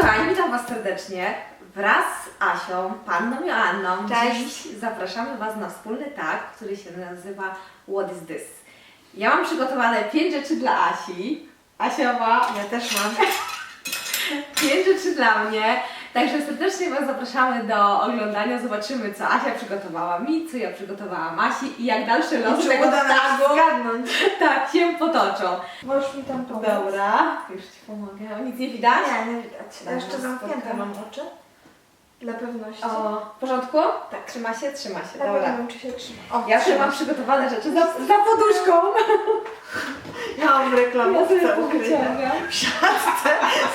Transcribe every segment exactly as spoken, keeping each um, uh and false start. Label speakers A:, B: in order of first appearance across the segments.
A: kochani, witam Was serdecznie. Wraz z Asią, Panną Joanną,
B: Cześć.
A: dziś zapraszamy Was na wspólny targ, który się nazywa What is this? Ja mam przygotowane pięć rzeczy dla Asi. Asia ma...
B: Ja też mam.
A: pięć rzeczy dla mnie. Także serdecznie Was zapraszamy do oglądania. Zobaczymy, co Asia przygotowała mi, co ja przygotowałam Asi i jak dalsze losy tego targu
B: zgadnąć.
A: tak się potoczą.
B: Możesz mi tam pomóc?
A: Dobra, już Ci pomogę. Nic nie widać?
B: Nie, nie widać. Ja
A: Dobra,
B: jeszcze zamknięte
A: spokojnie.
B: mam oczy. Dla pewności.
A: O, w porządku?
B: Tak.
A: Trzyma się? Trzyma się,
B: Ja
A: dobra.
B: nie wiem, czy się trzyma. O,
A: Ja też
B: trzyma
A: mam
B: się.
A: przygotowane rzeczy za, za poduszką.
B: Ja mam
A: Ja
B: reklamówkę
A: sobie
B: ukrytą.
A: powyciągam.
B: W siatce.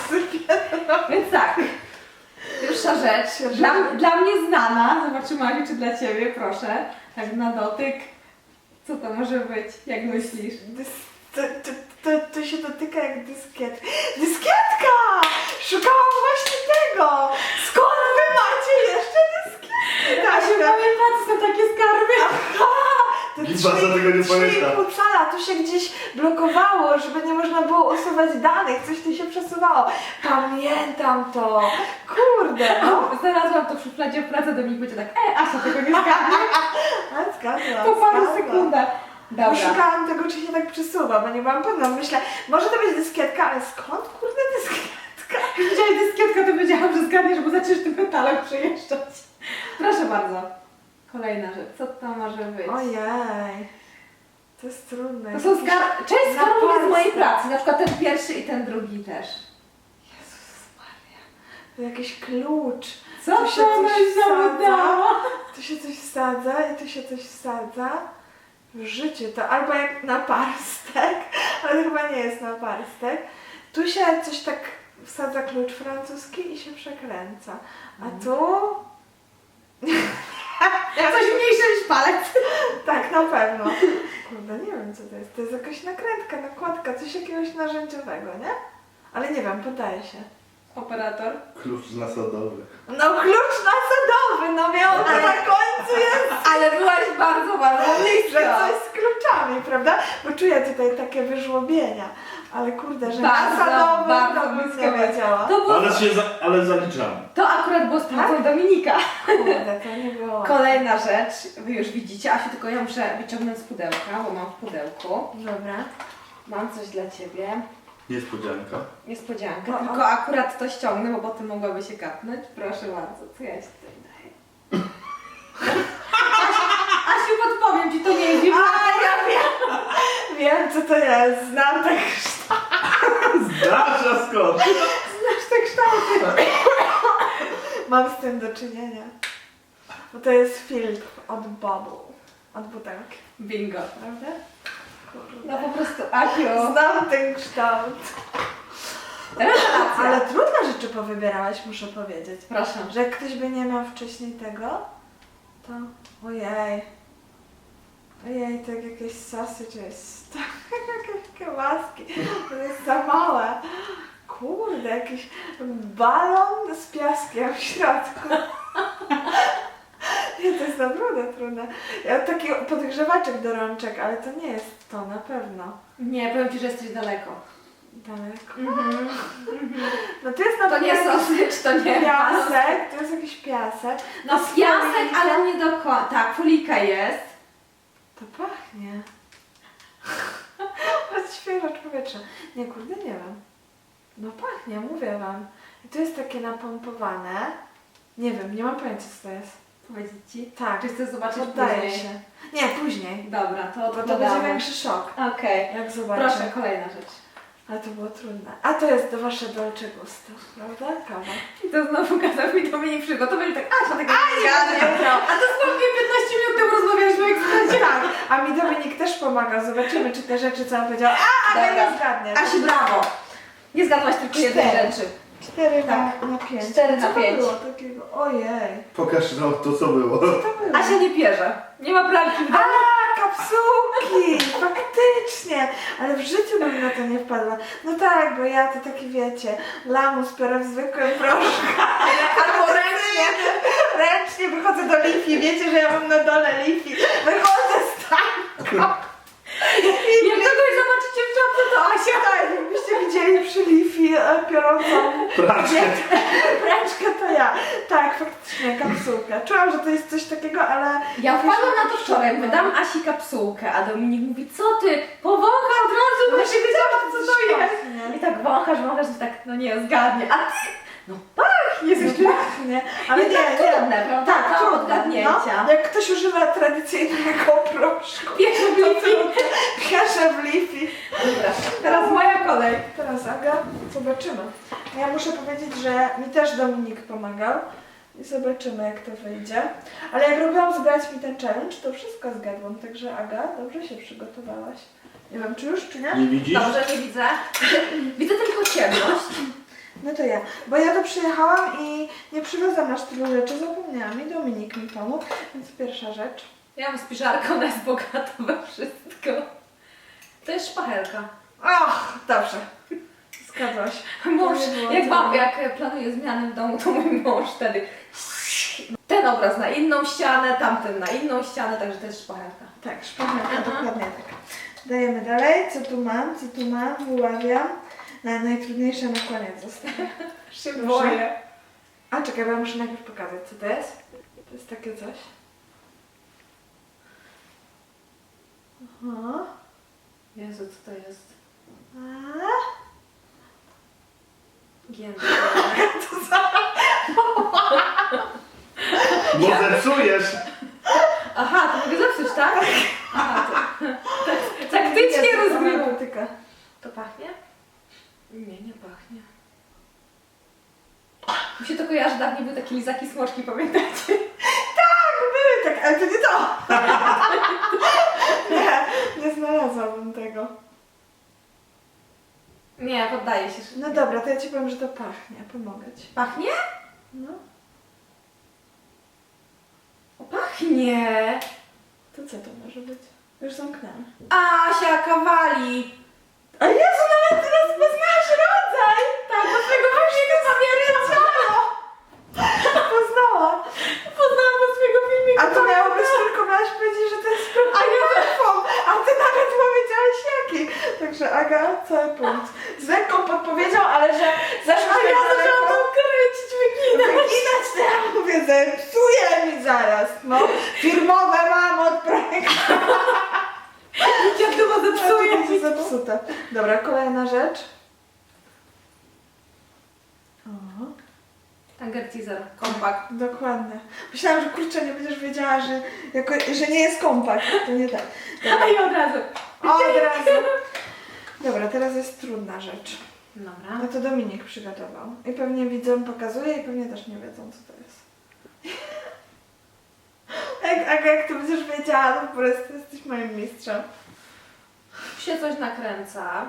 A: Więc tak. Pierwsza rzecz, dla, dla mnie znana. Zobaczymy, Asiu, czy dla Ciebie, proszę. Tak na dotyk. Co to może być? Jak myślisz?
B: Dys- To, to, to, to się dotyka jak dyskiet. Dyskietka! Szukałam właśnie tego! Skąd wy macie jeszcze dyskietki?
A: Asiu, pamięta, to są takie skarby.
B: To
C: Liczba za tego nie pamięta.
B: pół cala, tu się gdzieś blokowało, żeby nie można było usuwać danych, coś tu się przesuwało. Pamiętam to! Kurde, no!
A: Znalazłam to w szufladzie w pracy, do mnie będzie tak, e, Asia tego nie zgadnie.
B: A zgadła,
A: Po paru
B: zgadła.
A: sekundach.
B: Bo
A: Dobra.
B: szukałam tego, czy się tak przesuwa, bo nie byłam pewna. Myślę, może to być dyskietka, ale skąd kurde dyskietka?
A: Jak widziałeś dyskietkę, to wiedziałam, że zgadniesz, bo zaczniesz tym metalem przejeżdżać. Proszę bardzo. Kolejna rzecz. Co to może być?
B: Ojej, to jest trudne.
A: To są
B: Jakieś-
A: skar... Część
B: na
A: skarbów jest z mojej
B: palce.
A: pracy. Na przykład ten pierwszy i ten drugi też.
B: Jezus Maria, to jakiś klucz.
A: Co
B: Tu się
A: to
B: coś
A: byś
B: wsadza.
A: zamydała?
B: Tu się coś wsadza i tu się coś wsadza. W życiu to albo jak na parstek, ale chyba nie jest na parstek. Tu się coś tak wsadza klucz francuski i się przekręca. A tu...
A: Coś mniejsze niż palec.
B: Tak, na pewno. Kurde, nie wiem co to jest. To jest jakaś nakrętka, nakładka, coś jakiegoś narzędziowego, nie? Ale nie wiem, podaje się.
A: Operator.
C: Klucz nasadowy.
B: No klucz nasadowy, no miał to
A: Ale-
B: na końcu jest,
A: Ale byłaś bardzo, bardzo
B: że
A: blisko.
B: coś z kluczami, prawda? Bo czuję tutaj takie wyżłobienia. Ale kurde, że
A: Bardzo,
B: nasadowy
A: bardzo
B: to bym
A: blisko
B: nie
A: byłaś.
B: wiedziała.
A: To, było...
C: Ale się za, ale zaliczamy.
A: to akurat było z pracą Dominika.
B: Kurde, to nie było.
A: Kolejna rzecz. Wy już widzicie. Asiu, tylko ja muszę wyciągnąć z pudełka, bo mam w pudełku.
B: Dobra.
A: Mam coś dla Ciebie.
C: Niespodzianka.
A: Niespodziankę,
B: O, o.
A: tylko akurat to ściągnę, bo potem mogłaby się kapnąć. Proszę bardzo, co ja Ci tutaj daję? Asiu, Asiu, podpowiem Ci, to nie jest
B: A, ja wiem! Wiem co to jest, znam te kształty.
C: Zdarza skąd?
B: Znasz te kształty. Mam z tym do czynienia. Bo to jest filtr od bubble. Od butelki,
A: Bingo.
B: prawda? Kurde.
A: No po prostu, Asiu.
B: Znam ten kształt.
A: Rewelacja.
B: Ale trudne rzeczy powybierałaś, muszę powiedzieć.
A: Proszę.
B: Że jak ktoś by nie miał wcześniej tego, to ojej. Ojej, tak jakieś sosy, czy jest jakieś kiełbaski. To jest za małe. Kurde, jakiś balon z piaskiem w środku. Nie, to jest naprawdę trudne. Ja taki podgrzewaczek do rączek, ale to nie jest to na pewno.
A: Nie, powiem Ci, że jesteś daleko.
B: Daleko.
A: Mhm.
B: No to jest na
A: To nie
B: pewno jakiś
A: sosycz, to nie
B: piasek, to jest jakiś piasek.
A: No
B: To jest
A: piasek,
B: folika.
A: ale nie do końca. Tak, folika jest.
B: To pachnie. To jest świeże powietrze. Nie, kurde, nie wiem. No pachnie, mówię wam. I to jest takie napompowane. Nie wiem, nie mam pojęcia co to jest.
A: Powiedzieć Ci?
B: Tak,
A: Czy chcesz zobaczyć
B: poddaję
A: później?
B: się. Nie, później.
A: Dobra, to
B: Bo to będzie
A: odkładamy.
B: większy szok,
A: Okej.
B: jak zobaczę.
A: Proszę, kolejna rzecz.
B: Ale to było trudne. A to jest do wasze dolce gusto, prawda? Kawa.
A: I to znowu kazał mi Dominik przygotować, tak Asia tego
B: A,
A: nie
B: nie
A: zgadnie.
B: wiedział.
A: A to dosłownie piętnaście minut temu rozmawialiśmy o ekspresie.
B: Tak, a mi Dominik też pomaga. Zobaczymy, czy te rzeczy, co on powiedział. A, ale
A: Dobra.
B: nie zgadnie.
A: Asiu, brawo. Nie zgadłaś tylko jednej
B: Cztery.
A: rzeczy.
B: Cztery
A: Tak.
B: na, na pięć.
A: Cztery na
B: Co to
A: pięć.
B: było takiego? Ojej.
C: Pokaż nam to, co było.
B: Co to było?
A: Asia nie pierze. Nie ma pralki w domu.
B: A, kapsułki! Faktycznie! Ale w życiu bym na to nie wpadła. No tak, bo ja to taki wiecie, lamus biorę w zwykłym proszku.
A: Albo ręcznie.
B: Ręcznie wychodzę do Lifi. Wiecie, że ja mam na dole Lifi. Wychodzę z tak.
A: Jak kogoś zobaczycie w czapce, to Asia.
B: Tak, jakbyście widzieli przy Lifi, i e, piorącą
C: Praczkę.
B: pręczkę to ja. Tak, faktycznie, kapsułkę. Czułam, że to jest coś takiego, ale...
A: Ja wpadłam na to wczoraj, wydam Asi kapsułkę, a Dominik mówi, co ty, powącha od razu, bo się wiedziała, co to jest. I tak wąchasz, wąchasz, i tak, no nie, zgadnie. A ty, no pachnie,
B: Jest
A: jest
B: pachnie, ale nie,
A: tak
B: nie.
A: trudne, prawda?
B: Tak,
A: Do
B: trudne.
A: odgadnięcia.
B: No, jak ktoś używa tradycyjnego proszku.
A: Pierwszy w Lifi.
B: Pierwsze w Lifi.
A: Dobra, teraz moja kolej.
B: Teraz Aga, zobaczymy. Ja muszę powiedzieć, że mi też Dominik pomagał i zobaczymy, jak to wyjdzie. Ale jak robiłam zgrać mi ten challenge, to wszystko zgadłam, także Aga, dobrze się przygotowałaś. Nie wiem, czy już, czy nie?
C: Nie widzisz?
A: Dobrze, nie widzę. Widzę, widzę tylko ciemność.
B: No to ja, bo ja tu przyjechałam i nie przywiozłam aż tylu rzeczy, zapomniałam i Dominik mi pomógł, więc pierwsza rzecz.
A: Ja mam spiżarkę, ona jest bogata we wszystko. To jest szpachelka.
B: Ach, dobrze. Zgadłaś.
A: Mąż,
B: To nie było
A: jak,
B: to.
A: mam, jak planuję zmiany w domu, to mój mąż wtedy ten obraz na inną ścianę, tamten na inną ścianę, także to jest szpachelka.
B: Tak, szpachelka,
A: Aha.
B: dokładnie tak. Dajemy dalej, co tu mam, co tu mam, wyławiam. Na najtrudniejsze na koniec zostawię.
A: Się
B: Proszę.
A: boję.
B: A czekaj, bo ja muszę najpierw pokazać, co to jest. To jest takie coś. Aha.
A: Jezu, co to jest?
B: A?
A: Gięta.
C: Bo zepsujesz.
A: Aha, to mogę zepsuć, tak? Aha, to, tak, taktycznie
B: Jest, ona
A: rozgrywam.
B: dotyka.
A: To pachnie? Nie, nie pachnie. Mi się to kojarzy, dawniej były takie lizaki smoczki, pamiętacie?
B: Tak, były tak, ale to nie to. Nie, nie znalazłabym tego.
A: Nie, poddaję się.
B: No dobra, to ja ci powiem, że to pachnie. Pomogę ci.
A: Pachnie?
B: No,
A: O, pachnie!
B: to co to może być? Już zamknęłam.
A: Asia Kawali!
B: A Jezu, nawet ty rozpoznałaś rodzaj!
A: Tak, do swojego filmiku pamiętam!
B: Poznałam.
A: Poznałam do swojego filmiku.
B: A to miało być tylko, miałaś powiedzieć, że to jest a nie telefon, a ty nawet powiedziałaś jaki. Także Aga, cały punkt. Z lekką podpowiedzią, ale że zeszłaś
A: A
B: tak
A: ja
B: daleko.
A: zaczęłam to kręcić, wyginać.
B: Wyginać to ja mówię, zepsuje mi zaraz, no. Firmowe mam od projektu.
A: Jak to ma zepsuje?
B: Będzie zepsute. Dobra, kolejna rzecz. O,
A: Tanger teaser, kompakt.
B: dokładnie. Myślałam, że kurczę, nie będziesz wiedziała, że, jako, że nie jest kompakt. To nie tak.
A: A i od razu.
B: O, od razu. Dobra, teraz jest trudna rzecz.
A: Dobra.
B: No to Dominik przygotował. I pewnie widzom pokazuje i pewnie też nie wiedzą, co to jest. Jak, Aga, jak ty będziesz wiedziała, to po prostu jesteś moim mistrzem.
A: Tu się coś nakręca.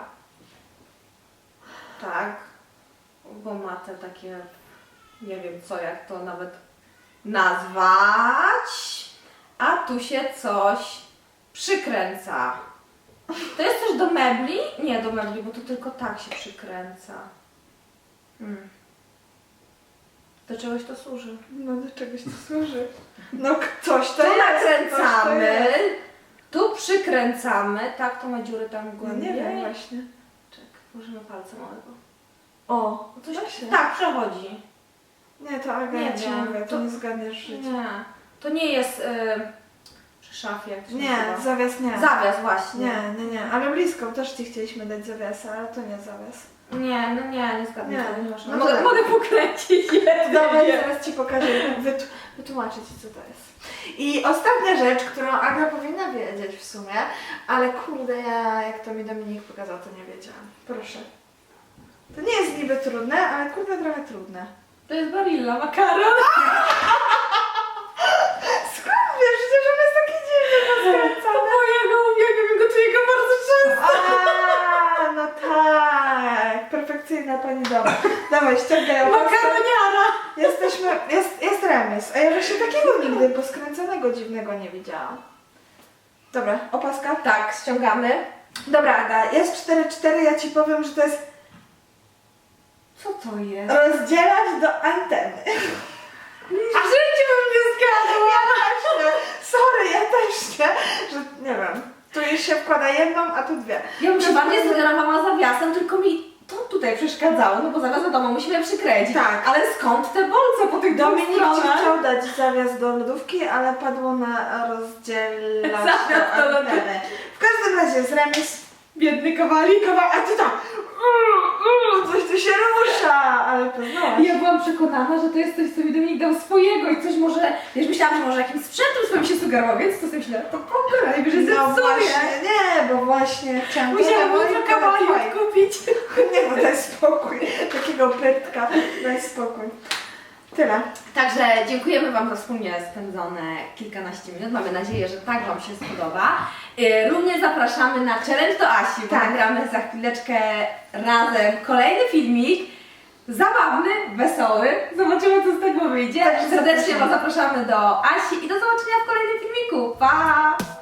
A: Tak. Bo ma te takie, nie wiem co, jak to nawet nazwać. A tu się coś przykręca. To jest coś do mebli? Nie do mebli, bo to tylko tak się przykręca. Hmm. Do czegoś to służy.
B: No do czegoś to służy. No k- coś to
A: Tu
B: jest.
A: nakręcamy,
B: Coś to jest.
A: tu przykręcamy. Tak, to ma dziury tam
B: No
A: głębiej.
B: nie wiem właśnie.
A: Czek, włożymy palca małego.
B: O,
A: Coś
B: właśnie.
A: tak, przechodzi.
B: Nie, to Aga,
A: Nie
B: ja ci
A: wiem,
B: mówię, to
A: to-
B: nie zgadniesz w życiu.
A: Nie, to nie jest y, przy szafie, jak to się
B: Nie,
A: nazywa.
B: zawias nie.
A: Zawias właśnie.
B: Nie, nie, nie, ale blisko, też ci chcieliśmy dać zawiasa, ale to nie zawias.
A: Nie, no nie, nie zgadnę.
B: Nie.
A: tego, nie można.
B: No to
A: mogę,
B: tak.
A: mogę pokręcić jednym.
B: Dobra, i zaraz ci pokażę, wyt- wytłumaczę ci, co to jest. I ostatnia rzecz, którą Aga powinna wiedzieć w sumie, ale kurde, ja jak to mi Dominik pokazał, to nie wiedziałam. Proszę. To nie jest niby trudne, ale kurde, trochę trudne.
A: To jest Barilla, makaron.
B: Skąd wiesz, przecież on jest taki dziwny, rozkręcony.
A: Bo ja go uwielbiam, gotuję go bardzo często.
B: A, no tak, perfekcyjna pani doma. Dawaj, ściągaj opaskę.
A: Makaroniara.
B: Jesteśmy, jest, jest remis, a ja właśnie takiego nigdy poskręconego dziwnego nie widziałam. Dobra, opaska.
A: Tak, ściągamy.
B: Dobra, Aga, jest cztery cztery, ja ci powiem, że to jest
A: Co to jest?
B: rozdzielać do anteny.
A: W życiu bym nie zgadła.
B: Ja też nie. Sorry, ja też nie. Że nie wiem. Tu już się wkłada jedną, a tu dwie.
A: Ja bym się bardziej sugerowała zawiasem, tylko mi to tutaj przeszkadzało, no bo zaraz wiadomo, musimy przykręcić.
B: Tak.
A: Ale skąd te bolce po tych dwóch
B: Dominik ci
A: stronach?
B: chciał dać zawias do lodówki, ale padło na rozdzielacz
A: Zawias do lodówki.
B: anteny. W każdym razie jest remis.
A: Biedny kawalik.
B: A ty tam, coś tu się rusza, ale poznałaś.
A: I ja byłam przekonana, że to jest coś, co mi Dominik dał swojego i coś może, wiesz, myślałam, że może jakimś sprzętem swoim się sugerował, więc to sobie myślałam, to pokonaj, że
B: No
A: zepsuję.
B: właśnie, nie, bo właśnie chciałam
A: Musiałam
B: to
A: jutro kawalik kupić.
B: Nie, bo daj spokój, takiego pytka, daj spokój. Tyle.
A: Także dziękujemy Wam za wspólnie spędzone kilkanaście minut. Mamy nadzieję, że tak Wam się spodoba. Yy, Również zapraszamy na challenge do Asi, bo
B: Tak.
A: nagramy za chwileczkę razem kolejny filmik. Zabawny, wesoły. Zobaczymy, co z tego wyjdzie.
B: Tak,
A: Serdecznie
B: zapraszamy.
A: Was zapraszamy do Asi i do zobaczenia w kolejnym filmiku. Pa!